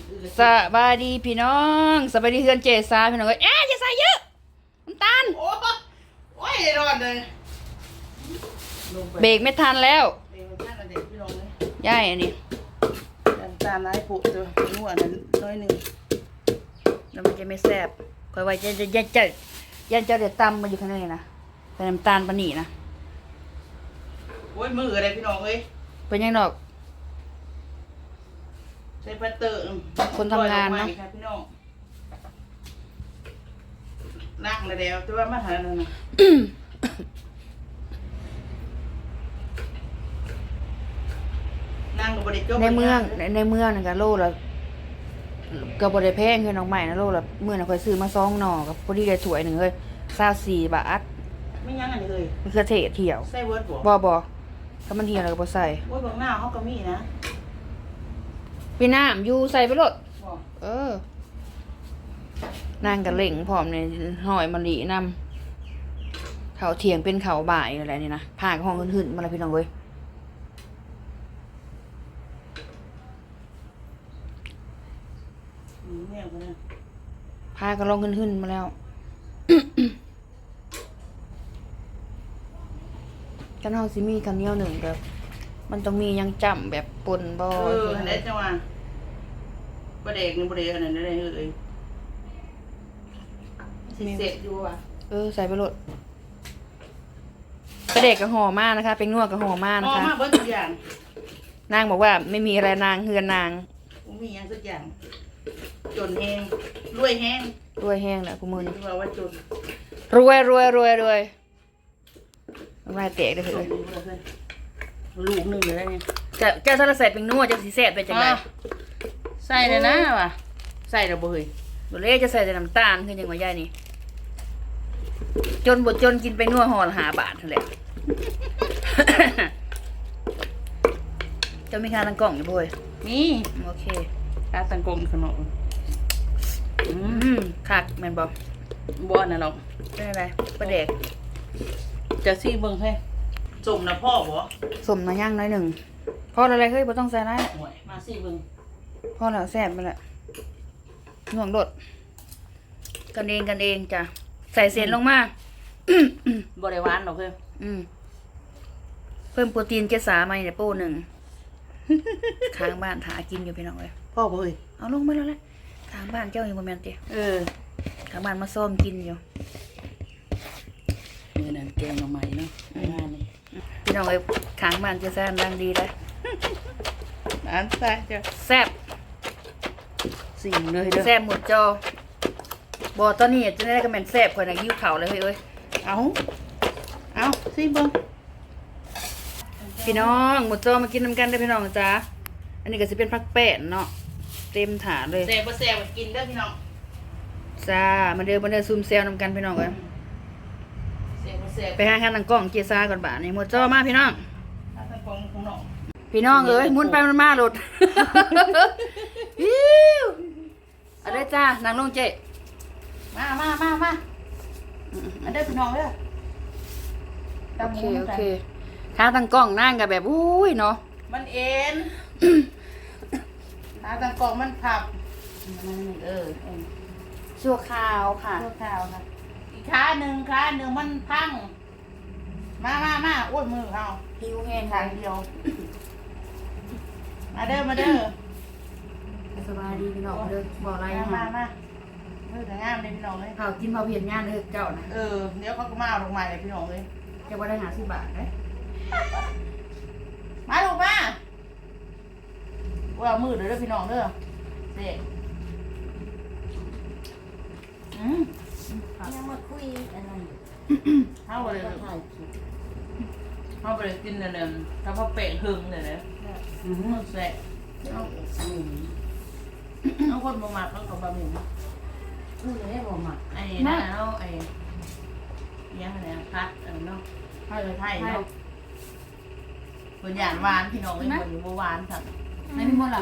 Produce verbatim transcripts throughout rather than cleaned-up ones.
สบายดีพี่น้องสบายดีเพื่อนเจสาพี่น้องเอ้ยเอ๊ะเจสาเยอะน้ำตาลโอ้โอ้ยรอดเลยเบรกไม่ทันแล้วเด็กท่านเด็กพี่น้องเลยย่ายอันนี้น้ำตาลไร้ผุตัวนัวนั้นน้อยหนึ่งแล้วมันจะไม่แซ่บคอยไว้จะจะยันจะยันจะเดือดตำมาอยู่ข้างในนะแต่น้ำตาลปานนีนะโอ้ยมืออะไรพี่น้องเอ้ยเป็นยังดอกใช้พัตเตอร์คนทำงานนะครับพี่น้องนั่งเลยเดียวแต่ว่ามาหาหน่อยนะนั่งกับบริจบในเมืองในในเมืองนั่นก็โลละก็บ่ได้แพงคือน้องใหม่นะโลละมื้อน่ะค่อยซื้อมาสองหน่อกับพอดีได้ถ้วยหนึงเฮ้ยยี่สิบสี่บาทไม่ยั้งอันนี้เลยมันคือเทศเที่ยวใส่เวิร์ดบ่บ่บ่ถ้ามันเที่ยวแล้วก็บ่ใส่โอ้ยบางหน้าเขาก็มีนะพี่น้ำอยู่ใส่ไปโลดบ่เออ นางกับเหล่งพร้อมเนี่ยหอยมะลินำเขาเถียงเป็นเขาบ่ายอะไรนี่นะผ่ากห้องขึ้นๆมาแล้วพี่น้องเว้ยอืมเนี่ยคนนี้พากันลงขึ้นๆมาแล้ว กันเฮาสิมีกันเหนียวหนึ่งแบบมันต้องมียังจำแบบปนบ่เออไหนจังหวะประเด็กนี่ประเด็กอันนั้นได้เลยสิเสร็จอยู่ว่ะเออใส่ไปโลดกระเด็กกับห่อมากนะคะ เป็นนวดกับห่อมากอ๋นะอคะมาเบิ้ลทุกอย่างนางบอกว่าไม่มีอะไรนางเฮือนนางผมมีอย่างสักอย่าง จนแห้งรวยแห้งรวยแห้งแหละกูมือนี่นี่ว่าว่าจนรวยรวยรวยรวยน้ำลายแตกได้เลยลูกหนึ่งเลยเนี่ยจะเจ้าถ้าเราใส่เป็นนัวจะสีแซ่บไปจังไดใส่เลยนะว่ะใส่ระเบยบ่เลยจะใส่แต่น้ำตาลคือจังว่าย่ายนี่จนบ่จนกินไปนัวห่อละห้าบาทนั่นแหละ เจะมีค่าตั้งกล่องอยู่บ่เว้ยนี่โอเคตาตังกงขนมอืมคักแม่นบ่บ่อนนะเราเป็นอะไรประเด็กจะซี่เบิ่งให้จมนะพ่อบ่สมน้อยย่างน้อยหนึ่งพอแล้วอะไรเฮ้ยบ่ต้องใส่ไรหวยมาซี่เบิ่งพอแล้วแซ่บไปละห่วงโดดกันเองกันเองจ้ะใส่เศษลงมาบ่ได้หวานหรอกเพิ่นอืมเพิ่มโปรตีนเกสามาเนี่ยโป้หนึ่ง ข้างบ้านหากินอยู่พี่น้องเลยพ่อบ่เอ้ยเอาลงมาแล้วแหละข้างบ้านเจ้าอยู่บนแมนเตียเออข้างบ้านมาซ่อมกินอยู่มื้อนั้นแกงหน่อไม้เนาะงานนี่พี่น้องเลยข้างบ้านเจ้าแซ่บดังดีเลยอันใส่จ้ะแซ่บสิ่งเลยเด้อแซ่บหมดจอบอกตอนนี้จะได้กระแมนแซ่บคนนะยิ้วเข่าเลยเฮ้ยเอ้ยเอาเอาซี่เบิ่งพี่น้องหมดจอมากินน้ำกันได้อพี่น้องจ้าอันนี้ก็จะเป็นผักแป้นเนาะเต็มถาดเลยแซ่บบ่แซ่บก็กินเด้อพี่น้องจ้ามาเดินมาเดินซูมเซลน้ำกันพี่น้องเลยแซ่บบ่แซ่บไปหาข้างหลังกล้องเกียร์ซ่าก่อนบ่านี่หมดจอมาพี่น้องตาตังกงของน้องพี่น้องเอ้ยหมุนไปหมันมาหลุด อิ๊วเอาได้จ้านางลงเจ๊มามามามาอันเด้อพี่น้องเด้อโอเคโอเคข้างตั้งกล้องนั่งกับแบบอุ้ยเนาะมันเอ็นตาตังกงมันผับเออชั่วคราวค่ะชั่วคราวค่ะอีกขาหนึ่งขาหนึ่งมันพัง มามามาโอ้ยมือเขาหิวแห้งทางเดียว มาเด้อมาเด้อสบายดีพี่น้องเด้อบอกอะไรมามามามามือแต่งามเลยพี่น้องเลยเผากินเผาเพียนงานเด้อเจ้านะเออเดี๋ยวเขาก็มาเอาลงมาเลยพี่น้องเลยจะว่าได้หาสิบบาทไหมมาลูกมาว่ามือเด้อพี่น้องเด้อเด็กอืมยังมาคุยอะไรเข้าไปเลยก็ถ่ายคลิปเข้าไปเลยกินเนี่ยเนี่ยถ้าพอเปะหึงเนี่ยนะอืมแซ่เอาอืมเอาคนมาหมักต้องกับบะหมี่พูดเลยบอกมาไอ้นั่นเอาไอ้ยังไงพัดเออเนาะไทยเลยไทยเนาะคนหยาดหวานพี่น้องเป็นคนอยู่หวานสัตว์ไม่มีมดหรอ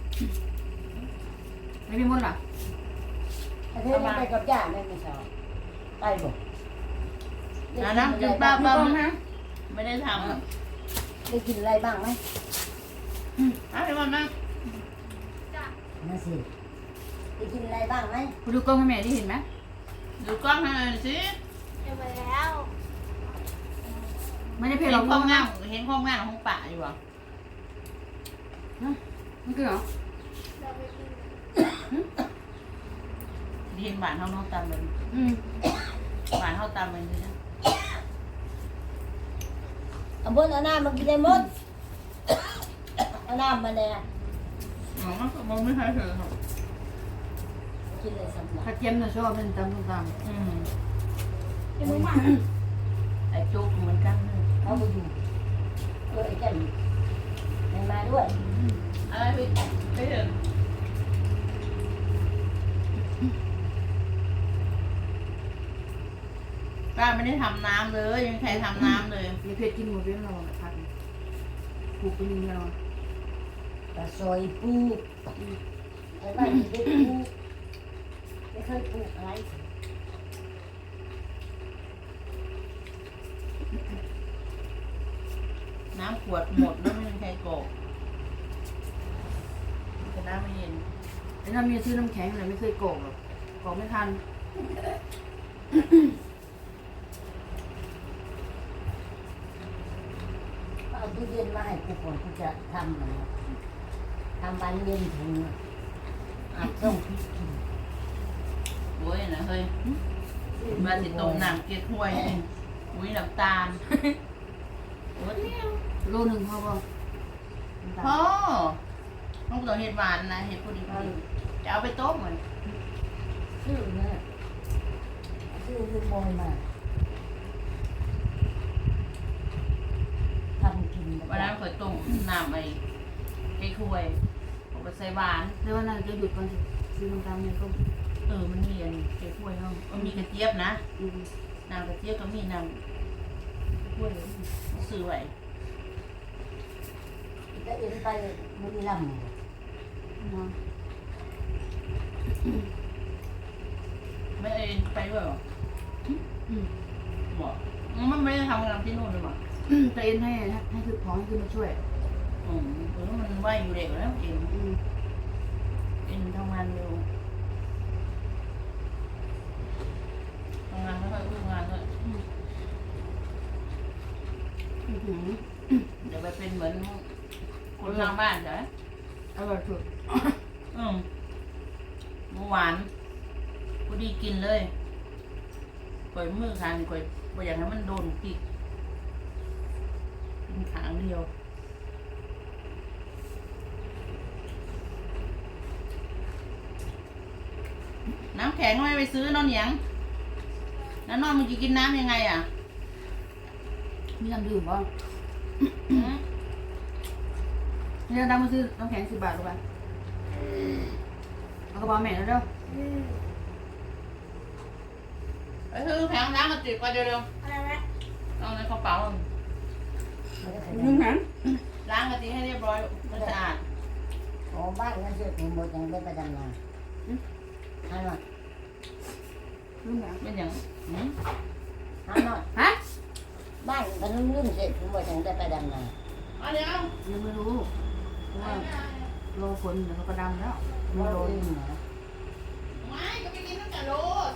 ไม่มีมดหรอไอ้เธอนี่ไปกับย่าได้ไหมสาวไปบอกนะนะกินป้าป้าไม่ได้ทำได้กินอะไรบ้างไหมเอาไปก่อนนะนั่นสิจะกินอะไรบ้างไหมไปดูกล้องให้แม่ที่เห็นไหมดูกล้องให้หน่อยสิเดี๋ยวไปแล้วไม่ได้เพลเห็นเราห้กล้อองงนะงานเห็นห้องงานห้องป่าอยู่อ่ะมันคือเหรอเราไปกินเรียนบ้านเฮาเนาะตามเลยอืมบ้านเฮาตามเลยนะเอาบนเอาน้ำมากินได้หมดเอาน้ำมาเลยอ๋อมันก็มันไม่ใช่เธอครับกินเลยสำหรับถ้าเจียมน่ะชอบเล่นตำส้มตอืมกินหมูหมาไอ้โจ๊กเหมือนกันเลยเขาไปอยู่เออไอ้แก่นมันมาด้วยอะไรพี่ไม่ถึงป้าไม่ได้ทำน้ำเลยยังใครทำน้ำเลยำมีเพชรกินหมดเรื่องเราแบบพักปลูกเป็นยังไงเราปลาซอยปลูกไอ้บ้านนี้ได้ปลูกไม่เคยปลูกอะไรน้ำขวดหมดแล้วไม่มีใครกรอกจะน้ำไม่เย็นไอ้น้ำมีซื้อน้ำแข็งอะไรไม่เคยโกงหรอกโกงไม่ทันเอาตู้เย็นมาให้กูก่อนกูจะทำมันทำวันเย็นถึงอาจต้องพริกกินโอ้ยนะเฮ้ยมาสิต้มน้ำเกล็ดห้วยนี่อุ้ยน้ำตาลโอ้ยเนี่ยโลหนึ่งพอป่ะพ่อต้องต้องเห็ดหวานนะเห็ดพอดีพอดีจะเอาไปต้มเหมือนชื่อเนี่ยชื่อคือบอยมาทำกินวันนั้นเคยต้มน้ำไอ้เกล็ดห้วยเอาไปใส่หวานแล้ววันนั้นจะหยุดก่อนสิซื้อน้ำตาลเนี่ยก็เออมันมีอันเกล็ดห้วยเนาะมันมีกระเจี๊ยบนะอืมน้ำกระเจี๊ยบก็มีน้ำห้วยซื้อไว้จะเอ็นไปบุรีรัมย์มาไม่เอ็นไปด้วยเหรออืมบอกมันไม่ได้ทำงานที่นู่นเลยมั้งแต่เอ็นให้ให้คือของให้ขึ้นมาช่วยอืมเออมันไหวอยู่เด็กแล้วเอ็นอืมเอ็นทำงานเร็วทำงานไม่ค่อยรู้งานด้วยอือหือเดี๋ยวไปเป็นเหมือนคนทางบ้านใช่ไหมอร่อยสุดอืมเมื่อวานพอดีกินเลยก่อยมือคางก่อยบ่อยากให้มันโดนติดกินขางเดียว น้ำแข็งไม่ไปซื้อนอนเหนียงแล้วนอนมึงจะกินน้ำยังไงอ่ะมีน้ำดื่มป่ะหืมนี่เราดำมาซื้อน้ำแข็งสิบบาทรู้ป่ะเอากระเป๋าแม่แล้วเด้อไปซื้อแผงน้ำมาติดไปเร็วอะไรนะๆเอาในกระเป๋าไม่ได้ใส่น้ำแข็งล้างกะทิให้เรียบร้อยมันสะอาดอ๋อบ้านนั่นเชื่อผมหมดยังได้ไปดำนาฮันหน่อยน้ำแข็งเป็นอย่างหืมฮันหน่อยฮะบ้านมันลืมเสร็จผมหมดยังได้ไปดำนาเอาเดี๋ยวยังไม่รู้เพราะว่าโลฝนเดี๋ยวเขาก็ดำแล้วไม่ไม่โลรู้นนะไม่ก็ไปกินตั้งแต่โลด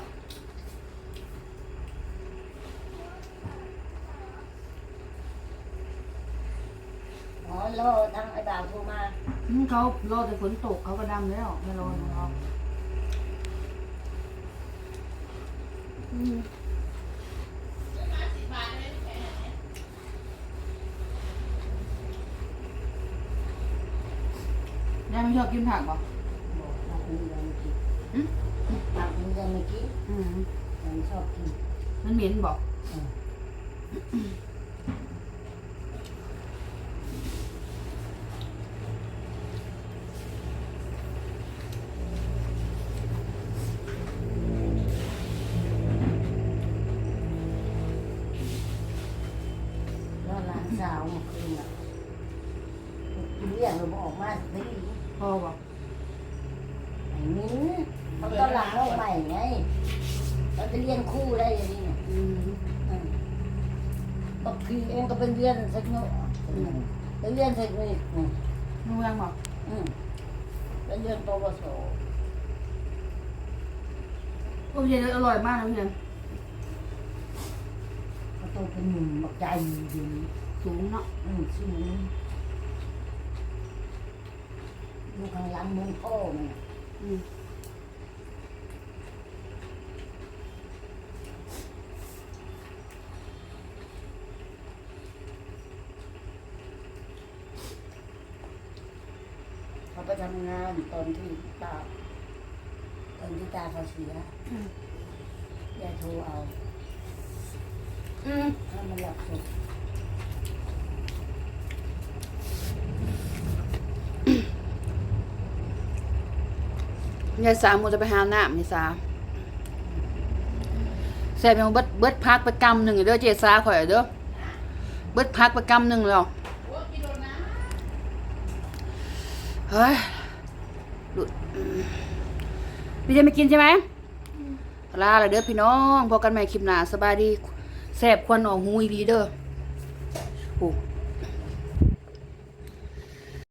อ๋อโลทั้งไอ้บ่าวโทรมาอืมเขาโลแต่ฝนตกเขาก็ดำแล้วไม่โลนของเขาอืมซื้อมาสิบบาทเลยแค่นี้ยายไม่ชอบกินผักป่ะบอกรักมึงยังไม่กินอืมรักมึงยังไม่กินอืมยังชอบกินมันเหม็นบอกอืมแล้วหลานสาวเมื่อคืนอ่ะกินเลี้ยงเราบอกออกมาสิพอบอกไอ้มิ้นเขาตอนหลังเราใหม่ไงเราจะเรียนคู่ได้อย่างนี้เนี่ยอืมอืมบอกพี่เองก็เป็นเรียนสักหน่อยไปเรียนสักนิดหนึ่งนุ่งยังบอกอืมแล้วเรียนปวสโอ้ยอร่อยมากนะเพื่อนเขาโตเป็นหนุ่มบักใหญ่ดีสูงเนาะอืมสูงดูข้างหลังเหมือนพ่อเนี่ยอืมเขาไปทำงานตอนที่ตาตอนที่ตาเขาเสียยายโทรเอาอืมถ้ามันหลับศพยายสามโมจะไปหาน้ำยายสามแซ่บยังเบิดเบิดพักไปกำหนึ่งเด้อเจสาข่อยเด้อเบิดพักไปกำหนึ่งแล้วเฮ้ยดูดอืมพี่จะไม่กินใช่ไหมลาเลยเด้อพี่น้องพอกันใหม่คลิปหน้าสบายดีแซ่บควันออกหูอีดีเด้อโอ้